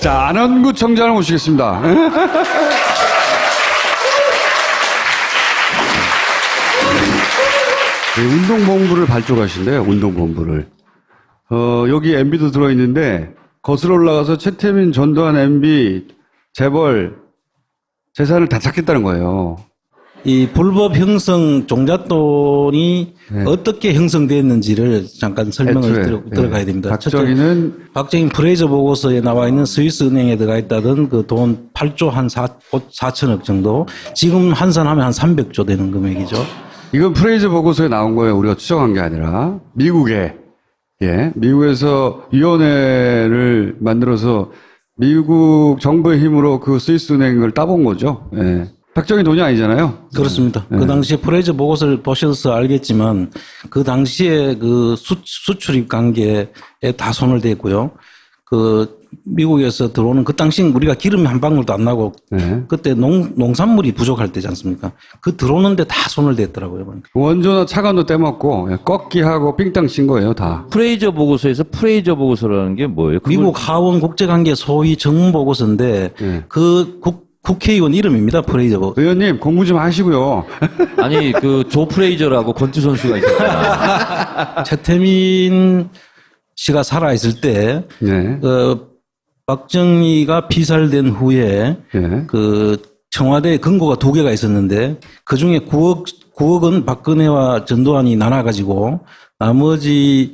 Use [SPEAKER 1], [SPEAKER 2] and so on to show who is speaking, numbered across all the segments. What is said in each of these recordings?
[SPEAKER 1] 자, 안원구청장을 모시겠습니다. 네, 운동본부를 발족하신대요, 운동본부를. 여기 MB도 들어있는데, 거슬러 올라가서 최태민, 전두환, MB, 재벌, 재산을 다 찾겠다는 거예요.
[SPEAKER 2] 이 불법 형성 종잣돈이
[SPEAKER 1] 네.
[SPEAKER 2] 어떻게 형성됐는지를 잠깐 설명을 들어가야 됩니다. 박정희 프레이저 보고서에 나와 있는 스위스 은행에 들어가 있다던 그 돈 8조 한 4천억 정도, 지금 환산하면 한 300조 되는 금액이죠.
[SPEAKER 1] 이건 프레이저 보고서에 나온 거예요. 우리가 추정한 게 아니라. 미국에서 위원회를 만들어서 미국 정부의 힘으로 그 스위스 은행을 따본 거죠. 예. 박정희 돈이 아니잖아요.
[SPEAKER 2] 그렇습니다. 그 당시에 프레이저 보고서를 보셔서 알겠지만 그 당시에 그 수출입 관계에 다 손을 댔고요. 그 미국에서 들어오는 그 당시엔 우리가 기름이 한 방울도 안 나고 그때 농산물이 부족할 때지 않습니까? 그 들어오는데 다 손을 댔더라고요.
[SPEAKER 1] 원조나 차관도 떼먹고 꺾기하고 삥땅 친 거예요, 다.
[SPEAKER 3] 프레이저 보고서에서 프레이저 보고서라는 게 뭐예요?
[SPEAKER 2] 미국 하원 국제관계 소위 정문 보고서인데 그 국회의원 이름입니다. 프레이저 보고서.
[SPEAKER 1] 의원님 공부 좀 하시고요.
[SPEAKER 3] 아니 그 조 프레이저라고 권투 선수가 있었잖아요.
[SPEAKER 2] 최태민 씨가 살아있을 때 박정희가 피살된 후에 그 청와대 금고가 2개가 있었는데 그 중에 9억은 박근혜와 전두환이 나눠가지고 나머지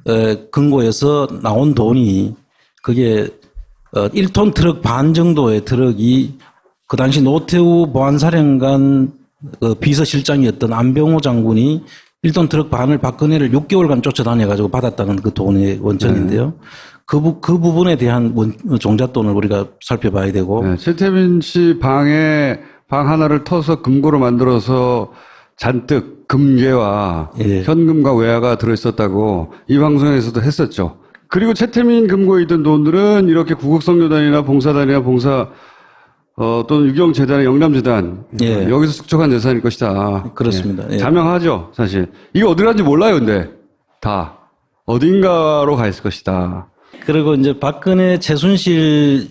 [SPEAKER 2] 금고에서 나온 돈이 그게 1톤 트럭 반 정도의 트럭이 그 당시 노태우 보안사령관 비서실장이었던 안병호 장군이 1톤 트럭 반을 박근혜를 6개월간 쫓아다녀가지고 받았다는 그 돈의 원천인데요. 그 부분에 대한 종잣돈을 우리가 살펴봐야 되고.
[SPEAKER 1] 최태민 씨 방 하나를 터서 금고로 만들어서 잔뜩 금괴와 현금과 외화가 들어있었다고 이 방송에서도 했었죠. 그리고 최태민 금고에 있던 돈들은 이렇게 구국성교단이나 봉사단이나 또는 유경재단의 영남재단 여기서 축적한 재산일 것이다.
[SPEAKER 2] 그렇습니다.
[SPEAKER 1] 자명하죠, 사실. 이게 어디 갔는지 몰라요, 근데 다 어딘가로 가 있을 것이다.
[SPEAKER 2] 그리고 이제 박근혜 최순실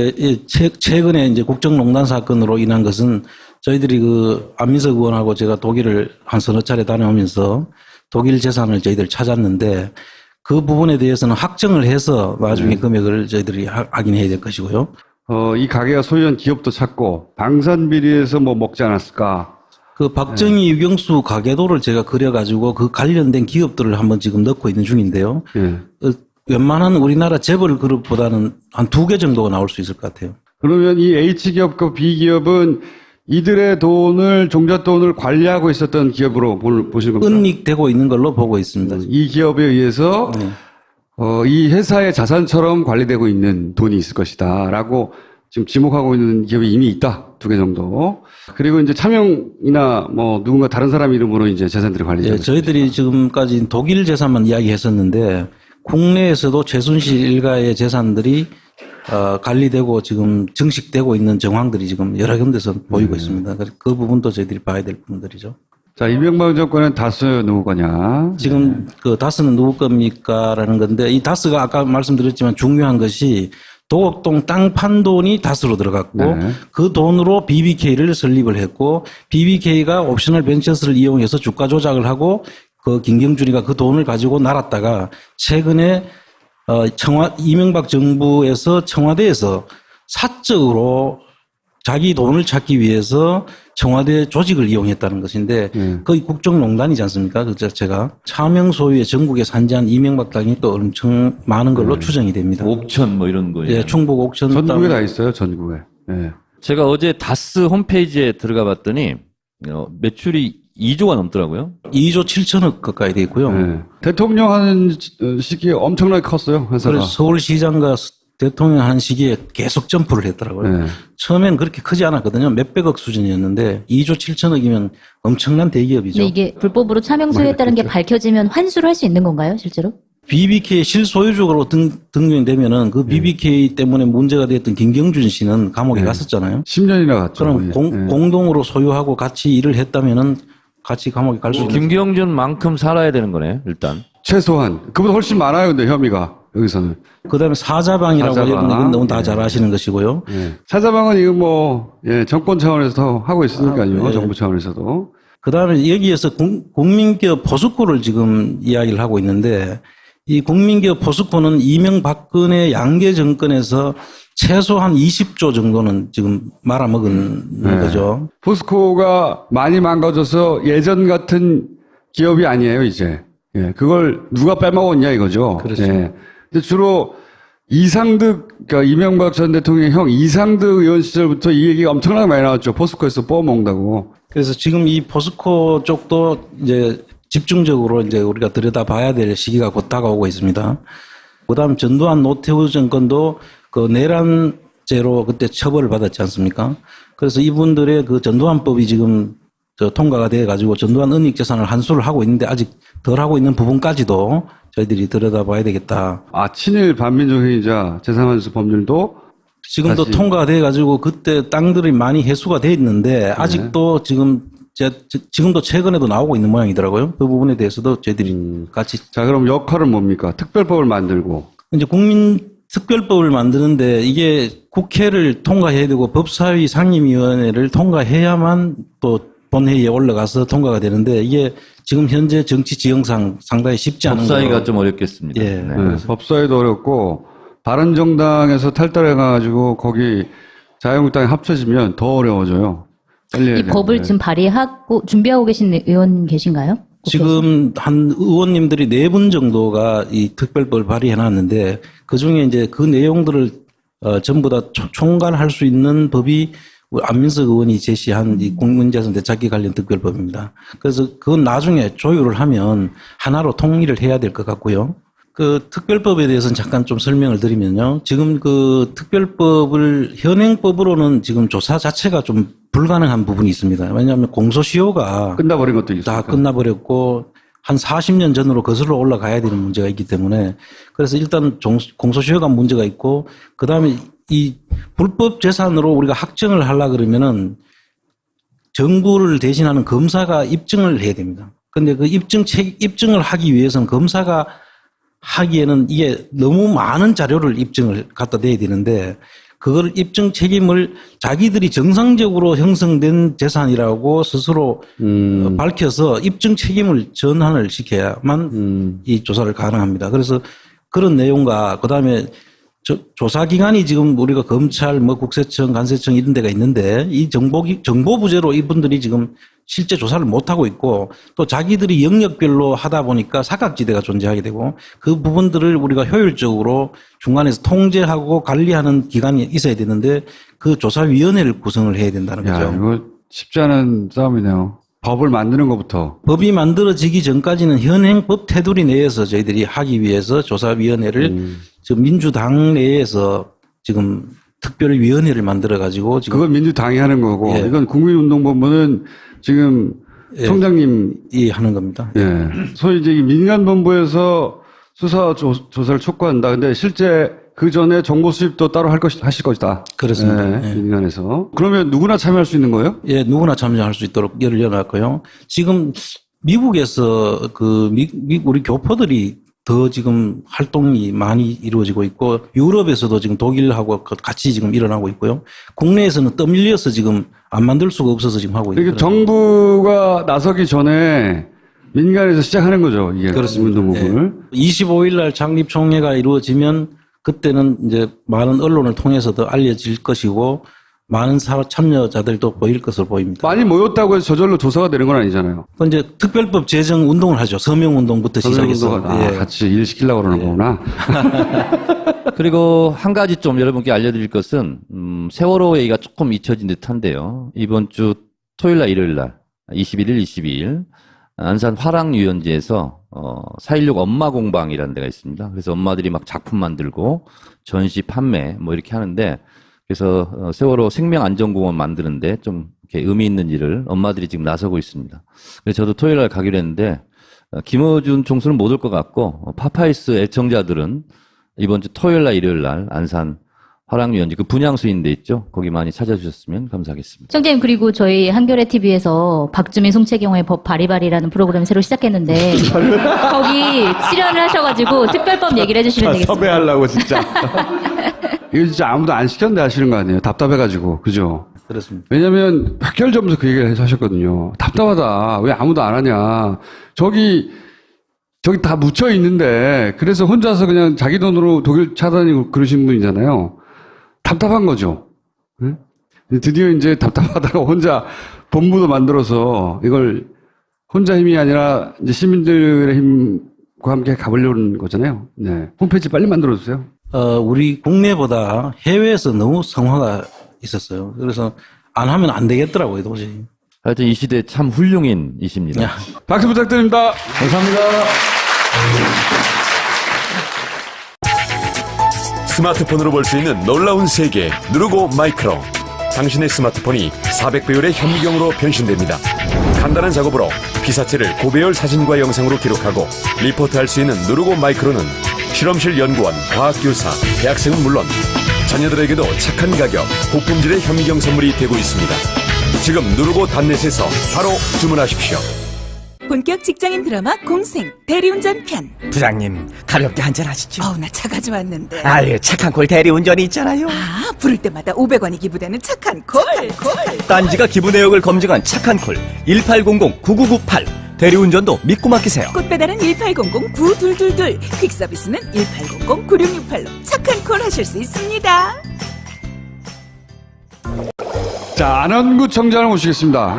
[SPEAKER 2] 최근에 이제 국정농단 사건으로 인한 것은 저희들이 그 안민석 의원하고 제가 독일을 한 서너 차례 다녀오면서 독일 재산을 저희들 찾았는데 그 부분에 대해서는 확정을 해서 나중에 금액을 저희들이 확인해야 될 것이고요.
[SPEAKER 1] 이 가게가 소유한 기업도 찾고 방산비리에서 뭐 먹지 않았을까?
[SPEAKER 2] 그 박정희 유경수 가계도를 제가 그려가지고 그 관련된 기업들을 한번 지금 넣고 있는 중인데요. 웬만한 우리나라 재벌 그룹보다는 한 2개 정도가 나올 수 있을 것 같아요.
[SPEAKER 1] 그러면 이 H기업과 B기업은 이들의 종잣돈을 관리하고 있었던 기업으로 보시는 겁니까?
[SPEAKER 2] 은닉되고 있는 걸로 보고 있습니다.
[SPEAKER 1] 이 기업에 의해서 이 회사의 자산처럼 관리되고 있는 돈이 있을 것이다 라고 지금 지목하고 있는 기업이 이미 있다. 2개 정도. 그리고 이제 차명이나 뭐 누군가 다른 사람 이름으로 이제 재산들이 관리되고
[SPEAKER 2] 저희들이 지금까지 독일 재산만 이야기했었는데 국내에서도 최순실 일가의 재산들이 관리되고 지금 증식되고 있는 정황들이 지금 여러 군데서 보이고 있습니다. 그 부분도 저희들이 봐야 될 부분들이죠.
[SPEAKER 1] 자, 이명박 정권은 다스 누구 거냐?
[SPEAKER 2] 지금 그 다스는 누구 겁니까라는 건데 이 다스가 아까 말씀드렸지만 중요한 것이 도곡동 땅 판 돈이 다스로 들어갔고 그 돈으로 BBK를 설립을 했고 BBK가 옵셔널 벤처스를 이용해서 주가 조작을 하고 그 김경준이가 그 돈을 가지고 날았다가 최근에 이명박 정부에서 청와대에서 사적으로 자기 돈을 찾기 위해서 청와대 조직을 이용했다는 것인데 거의 국정농단이지 않습니까? 그 자체가 차명 소유의 전국에 산지한 이명박 땅이 또 엄청 많은 걸로 추정이 됩니다.
[SPEAKER 3] 옥천 뭐 이런 거예요.
[SPEAKER 2] 예, 충북 옥천
[SPEAKER 1] 전국에 다 있어요, 전국에.
[SPEAKER 3] 제가 어제 다스 홈페이지에 들어가 봤더니 매출이 2조가 넘더라고요.
[SPEAKER 2] 2조 7천억 가까이 돼 있고요.
[SPEAKER 1] 대통령 하는 시기에 엄청나게 컸어요, 회사가.
[SPEAKER 2] 그래서 서울시장과 대통령 하는 시기에 계속 점프를 했더라고요. 처음엔 그렇게 크지 않았거든요. 몇백억 수준이었는데 2조 7천억이면 엄청난 대기업이죠.
[SPEAKER 4] 근데 이게 불법으로 차명 소유했다는 게 밝혀지면 환수를 할 수 있는 건가요, 실제로?
[SPEAKER 2] BBK 실소유주로 등록이 되면은 그 BBK 때문에 문제가 됐던 김경준 씨는 감옥에 갔었잖아요.
[SPEAKER 1] 10년이나 갔죠.
[SPEAKER 2] 그럼 공동으로 소유하고 같이 일을 했다면은 같이 감옥에 갈 수 있는.
[SPEAKER 3] 김경준만큼 살아야 되는 거네, 일단.
[SPEAKER 1] 최소한. 그보다 훨씬 많아요, 근데 혐의가. 여기서는.
[SPEAKER 2] 그다음에 사자방이라고
[SPEAKER 1] 사자방.
[SPEAKER 2] 여러분 너무 다
[SPEAKER 1] 예.
[SPEAKER 2] 잘 아시는 것이고요.
[SPEAKER 1] 예. 사자방은 이거 뭐, 예, 정권 차원에서 하고 있으니까요.
[SPEAKER 2] 예.
[SPEAKER 1] 정부 차원에서도.
[SPEAKER 2] 그다음에 여기에서 국민기업 포스코를 지금 이야기를 하고 있는데 이 국민기업 포스코는 이명박근혜 양계 정권에서 최소한 20조 정도는 지금 말아먹은 거죠.
[SPEAKER 1] 포스코가 많이 망가져서 예전 같은 기업이 아니에요, 이제. 예, 그걸 누가 빼먹었냐 이거죠.
[SPEAKER 2] 그렇죠.
[SPEAKER 1] 예. 근데 주로 이상득, 그러니까 이명박 전 대통령의 형 이상득 의원 시절부터 이 얘기가 엄청나게 많이 나왔죠. 포스코에서 뽑아먹는다고.
[SPEAKER 2] 그래서 지금 이 포스코 쪽도 이제 집중적으로 이제 우리가 들여다봐야 될 시기가 곧 다가오고 있습니다. 그다음 전두환 노태우 정권도 그 내란죄로 그때 처벌을 받았지 않습니까? 그래서 이분들의 그 전두환법이 지금 통과가 돼 가지고 전두환 은닉재산을 환수를 하고 있는데 아직 덜 하고 있는 부분까지도 저희들이 들여다봐야 되겠다.
[SPEAKER 1] 아, 친일 반민족행위자 재산환수 법률도
[SPEAKER 2] 지금도
[SPEAKER 1] 다시.
[SPEAKER 2] 통과가 돼 가지고 그때 땅들이 많이 해수가 돼 있는데 아직도 지금도 최근에도 나오고 있는 모양이더라고요. 그 부분에 대해서도 저희들이 같이.
[SPEAKER 1] 자, 그럼 역할은 뭡니까? 특별법을 만들고.
[SPEAKER 2] 이제 국민특별법을 만드는데 이게 국회를 통과해야 되고 법사위 상임위원회를 통과해야만 또 본회의에 올라가서 통과가 되는데 이게 지금 현재 정치 지형상 상당히 쉽지 않은 거예요.
[SPEAKER 3] 법사위가 좀 어렵겠습니다.
[SPEAKER 2] 예.
[SPEAKER 3] 네.
[SPEAKER 1] 네, 법사위도 어렵고 바른정당에서 탈달해가지고 거기 자유한국당에 합쳐지면 더 어려워져요. 빨리 해야
[SPEAKER 4] 이 법을
[SPEAKER 1] 되는데.
[SPEAKER 4] 지금 발의하고 준비하고 계신 의원 계신가요?
[SPEAKER 2] 지금 한 의원님들이 4분 정도가 이 특별법을 발의해 놨는데 그 중에 이제 그 내용들을 전부 다 총괄할 수 있는 법이 안민석 의원이 제시한 이 국민재산 되찾기 관련 특별법입니다. 그래서 그건 나중에 조율을 하면 하나로 통일을 해야 될 것 같고요. 그 특별법에 대해서는 잠깐 좀 설명을 드리면요. 지금 그 특별법을 현행법으로는 지금 조사 자체가 좀 불가능한 부분이 있습니다. 왜냐하면 공소시효가
[SPEAKER 1] 끝나버린 것도 있어요.
[SPEAKER 2] 다 끝나버렸고 한 40년 전으로 거슬러 올라가야 되는 문제가 있기 때문에 그래서 일단 공소시효가 문제가 있고 그다음에 이 불법 재산으로 우리가 확정을 하려 그러면은 정부를 대신하는 검사가 입증을 해야 됩니다. 근데 그 입증을 하기 위해서는 검사가 하기에는 이게 너무 많은 자료를 입증을 갖다 대야 되는데 그걸 입증 책임을 자기들이 정상적으로 형성된 재산이라고 스스로 밝혀서 입증 책임을 전환을 시켜야만 이 조사를 가능합니다. 그래서 그런 내용과 그다음에 조사 기관이 지금 우리가 검찰, 국세청, 관세청 이런 데가 있는데 이 정보 부재로 이분들이 지금 실제 조사를 못 하고 있고 또 자기들이 영역별로 하다 보니까 사각지대가 존재하게 되고 그 부분들을 우리가 효율적으로 중간에서 통제하고 관리하는 기관이 있어야 되는데 그 조사위원회를 구성을 해야 된다는 거죠.
[SPEAKER 1] 야, 이거 쉽지 않은 싸움이네요. 법을 만드는 것부터.
[SPEAKER 2] 법이 만들어지기 전까지는 현행 법 테두리 내에서 저희들이 하기 위해서 조사위원회를 지금 민주당 내에서 지금 특별위원회를 만들어가지고 지금
[SPEAKER 1] 그건 민주당이 하는 거고
[SPEAKER 2] 예.
[SPEAKER 1] 이건 국민운동본부는 지금
[SPEAKER 2] 예.
[SPEAKER 1] 총장님이
[SPEAKER 2] 하는 겁니다.
[SPEAKER 1] 예. 소위 이제 이 민간본부에서 수사 조사를 촉구한다. 근데 실제 그 전에 정보 수집도 따로 하실 것이다.
[SPEAKER 2] 그렇습니다.
[SPEAKER 1] 예. 민간에서. 그러면 누구나 참여할 수 있는 거예요?
[SPEAKER 2] 예, 누구나 참여할 수 있도록 열어놨고요. 지금 미국에서 우리 교포들이 더 지금 활동이 많이 이루어지고 있고 유럽에서도 지금 독일하고 같이 지금 일어나고 있고요. 국내에서는 떠밀려서 지금 안 만들 수가 없어서 지금 하고 있는
[SPEAKER 1] 그러니까 정부가 나서기 전에 민간에서 시작하는 거죠. 이게
[SPEAKER 2] 그렇습니다.
[SPEAKER 1] 운동본부를.
[SPEAKER 2] 25일 날 창립 총회가 이루어지면 그때는 이제 많은 언론을 통해서도 알려질 것이고 많은 참여자들도 보일 것으로 보입니다.
[SPEAKER 1] 많이 모였다고 해서 저절로 조사가 되는 건 아니잖아요.
[SPEAKER 2] 그 이제 특별법 제정 운동을 하죠. 서명 운동부터 시작해서.
[SPEAKER 1] 운동가 같이 일 시키려고 그러는 거구나.
[SPEAKER 3] 그리고 한 가지 좀 여러분께 알려드릴 것은 세월호 얘기가 조금 잊혀진 듯한데요. 이번 주 토요일 날 일요일 날 21일 22일 안산 화랑유연지에서 4.16 엄마 공방이라는 데가 있습니다. 그래서 엄마들이 막 작품 만들고 전시 판매 뭐 이렇게 하는데 그래서 세월호 생명안전공원 만드는데 좀 이렇게 의미 있는 일을 엄마들이 지금 나서고 있습니다. 그래서 저도 토요일 날 가기로 했는데 김어준 총수는 못 올 것 같고 파파이스 애청자들은 이번 주 토요일 날 일요일 날 안산 화랑유연지 그 분향소인 데 있죠. 거기 많이 찾아주셨으면 감사하겠습니다.
[SPEAKER 4] 청장님, 그리고 저희 한겨레 TV에서 박주민 송채경의 법 바리바리라는 프로그램 새로 시작했는데 거기 출연을 하셔가지고 특별법 얘기를 해주시면 되겠습니다.
[SPEAKER 1] 섭외하려고 진짜. 이거 진짜 아무도 안 시켰는데 하시는 거 아니에요? 답답해가지고. 그죠?
[SPEAKER 2] 그렇습니다.
[SPEAKER 1] 왜냐면 박결점에서 그 얘기를 하셨거든요. 답답하다. 왜 아무도 안 하냐. 저기 다 묻혀 있는데 그래서 혼자서 그냥 자기 돈으로 독일 차다니고 그러신 분이잖아요. 답답한 거죠. 응? 드디어 이제 답답하다가 혼자 본부도 만들어서 이걸 혼자 힘이 아니라 이제 시민들의 힘과 함께 가보려는 거잖아요. 네. 홈페이지 빨리 만들어주세요.
[SPEAKER 2] 우리 국내보다 해외에서 너무 성화가 있었어요. 그래서 안 하면 안 되겠더라고요, 도저히.
[SPEAKER 3] 하여튼 이 시대 참 훌륭인이십니다.
[SPEAKER 1] 박수 부탁드립니다.
[SPEAKER 2] 감사합니다.
[SPEAKER 5] 스마트폰으로 볼 수 있는 놀라운 세계 누르고 마이크로. 당신의 스마트폰이 400배율의 현미경으로 변신됩니다. 간단한 작업으로 피사체를 고배열 사진과 영상으로 기록하고 리포트할 수 있는 누르고 마이크로는 실험실 연구원, 과학교사, 대학생은 물론 자녀들에게도 착한 가격, 고품질의 현미경 선물이 되고 있습니다. 지금 누르고 단넷에서 바로 주문하십시오.
[SPEAKER 6] 본격 직장인 드라마 공생 대리운전 편.
[SPEAKER 7] 부장님, 가볍게 한잔 하시죠.
[SPEAKER 6] 나 차 가져왔는데.
[SPEAKER 7] 아유, 착한 콜 대리운전이 있잖아요.
[SPEAKER 6] 부를 때마다 500원이 기부되는 착한 콜.
[SPEAKER 7] 딴지가 기부 내역을 검증한 착한 콜 1800-9998. 대리운전도 믿고 맡기세요.
[SPEAKER 6] 꽃배달은 1800-9222. 퀵서비스는 1800-9668로 착한 콜 하실 수 있습니다.
[SPEAKER 1] 자, 안원구 청장을 모시겠습니다.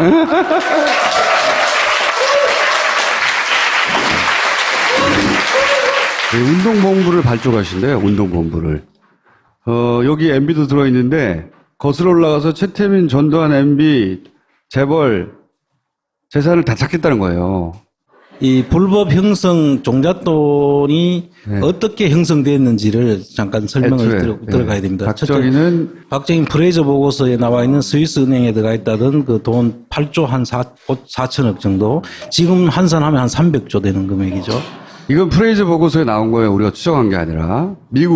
[SPEAKER 1] 네, 운동본부를 발족하신대요, 운동본부를. 여기 MB도 들어있는데, 거슬러 올라가서 최태민, 전두환 MB, 재벌, 재산을 다 찾겠다는 거예요.
[SPEAKER 2] 이 불법 형성 종잣돈이
[SPEAKER 1] 네.
[SPEAKER 2] 어떻게 형성됐는지를 잠깐 설명을 들어가야 됩니다. 박정희 프레이저 보고서에 나와 있는 스위스 은행에 들어가 있다던 그 돈 8조 한 4천억 정도, 지금 환산하면 한 300조 되는 금액이죠.
[SPEAKER 1] 이건 프레이저 보고서에 나온 거예요. 우리가 추정한 게 아니라.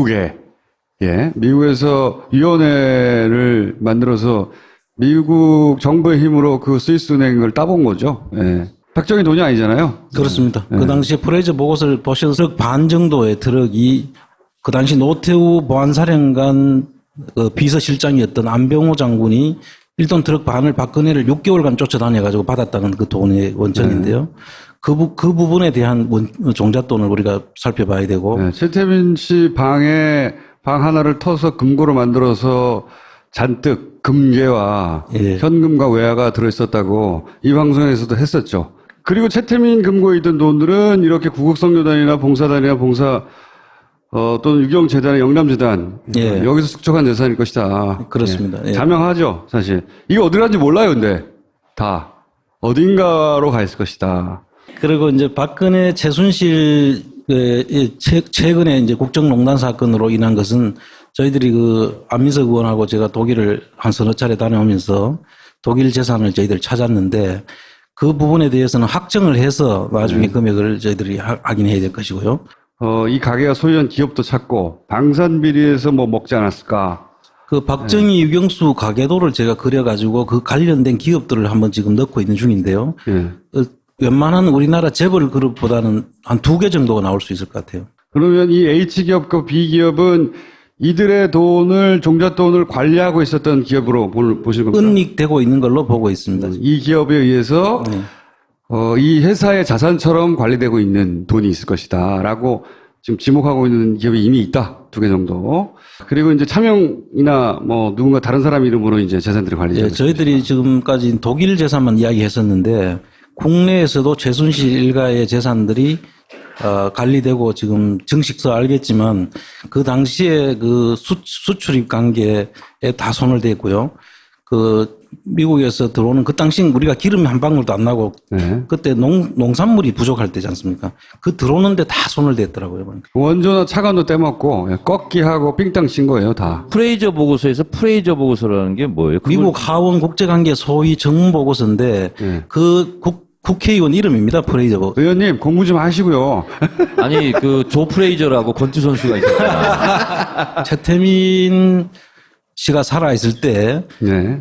[SPEAKER 1] 미국에서 위원회를 만들어서 미국 정부의 힘으로 그 스위스 은행을 따본 거죠. 예. 박정희 돈이 아니잖아요.
[SPEAKER 2] 그렇습니다.
[SPEAKER 1] 예.
[SPEAKER 2] 그 당시에 프레이저 보고서를 보셔서 트럭 반 정도의 트럭이 그 당시 노태우 보안사령관 그 비서실장이었던 안병호 장군이 1톤 트럭 반을 박근혜를 6개월간 쫓아다녀가지고 받았다는 그 돈의 원천인데요. 그 부분에 대한 종잣돈을 우리가 살펴봐야 되고.
[SPEAKER 1] 네, 최태민 씨 방 하나를 터서 금고로 만들어서 잔뜩 금괴와 현금과 외화가 들어있었다고 이 방송에서도 했었죠. 그리고 최태민 금고에 있던 돈들은 이렇게 구국성교단이나 봉사단이나 또는 유경재단, 영남재단 여기서 축적한 재산일 것이다.
[SPEAKER 2] 그렇습니다.
[SPEAKER 1] 예. 자명하죠, 사실. 이게 어디 갔는지 몰라요, 근데 다 어딘가로 가 있을 것이다.
[SPEAKER 2] 그리고 이제 박근혜 최순실 최근에 이제 국정농단 사건으로 인한 것은 저희들이 그 안민석 의원하고 제가 독일을 한 서너 차례 다녀오면서 독일 재산을 저희들 찾았는데 그 부분에 대해서는 확정을 해서 나중에 금액을 저희들이 확인해야 될 것이고요.
[SPEAKER 1] 이 가게가 소유한 기업도 찾고 방산비리에서 뭐 먹지 않았을까?
[SPEAKER 2] 그 박정희 유경수 가계도를 제가 그려가지고 그 관련된 기업들을 한번 지금 넣고 있는 중인데요. 웬만한 우리나라 재벌 그룹보다는 한 2개 정도가 나올 수 있을 것 같아요.
[SPEAKER 1] 그러면 이 H기업과 B기업은 이들의 돈을, 종잣돈을 관리하고 있었던 기업으로 보시는 겁니까?
[SPEAKER 2] 은닉되고 있는 걸로 보고 있습니다.
[SPEAKER 1] 이 기업에 의해서 이 회사의 자산처럼 관리되고 있는 돈이 있을 것이다 라고 지금 지목하고 있는 기업이 이미 있다. 2개 정도. 그리고 이제 차명이나 뭐 누군가 다른 사람 이름으로 이제 재산들이 관리되고
[SPEAKER 2] 저희들이 지금까지 독일 재산만 이야기했었는데 국내에서도 최순실 일가의 재산들이 관리되고 지금 증식서 알겠지만 그 당시에 그 수출입 관계에 다 손을 댔고요. 그 미국에서 들어오는 그 당시 우리가 기름이 한 방울도 안 나고 그때 농산물이 부족할 때지 않습니까? 그 들어오는데 다 손을 댔더라고요.
[SPEAKER 1] 원조나 차관도 떼먹고 꺾기하고 삥땅 친 거예요, 다.
[SPEAKER 3] 프레이저 보고서에서 프레이저 보고서라는 게 뭐예요?
[SPEAKER 2] 미국 하원 국제관계 소위 정문 보고서인데 그 국회의원 이름입니다. 프레이저.
[SPEAKER 1] 의원님 공부 좀 하시고요.
[SPEAKER 3] 아니 그 조 프레이저라고 권투 선수가 있었잖아요.
[SPEAKER 2] 최태민 씨가 살아있을 때,
[SPEAKER 1] 네.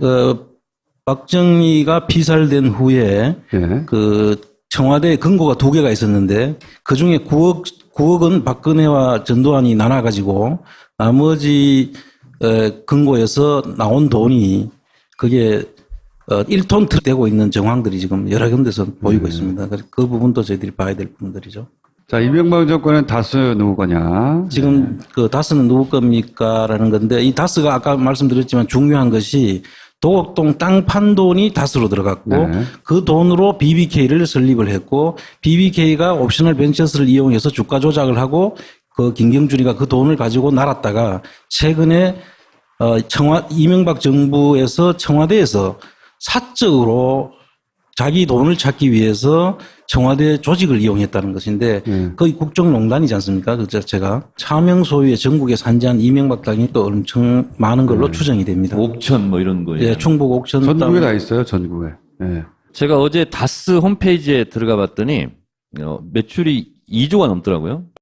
[SPEAKER 2] 박정희가 피살된 후에,
[SPEAKER 1] 네.
[SPEAKER 2] 그, 청와대에 금고가 2개가 있었는데, 그 중에 9억은 박근혜와 전두환이 나눠가지고, 나머지, 금고에서 나온 돈이, 그게, 1톤 되고 있는 정황들이 지금 여러 군데서 보이고 있습니다. 그래서 그 부분도 저희들이 봐야 될 부분들이죠.
[SPEAKER 1] 자, 이명박 정권은 다스 누구 거냐?
[SPEAKER 2] 지금 그 다스는 누구 겁니까라는 건데 이 다스가 아까 말씀드렸지만 중요한 것이 도곡동 땅 판 돈이 다스로 들어갔고
[SPEAKER 1] 네.
[SPEAKER 2] 그 돈으로 BBK를 설립을 했고 BBK가 옵셔널 벤처스를 이용해서 주가 조작을 하고 그 김경준이가 그 돈을 가지고 날았다가 최근에 이명박 정부에서 청와대에서 사적으로 자기 돈을 찾기 위해서 청와대 조직을 이용했다는 것인데 거의 국정농단이지 않습니까? 그 자체가 차명 소유의 전국에 산지한 이명박 당이 또 엄청 많은 걸로 추정이 됩니다.
[SPEAKER 3] 옥천 뭐 이런 거예요.
[SPEAKER 2] 예, 충북 옥천
[SPEAKER 1] 전국에 다 있어요, 전국에. 네.
[SPEAKER 3] 제가 어제 다스 홈페이지에 들어가 봤더니 매출이 2조가 넘더라고요.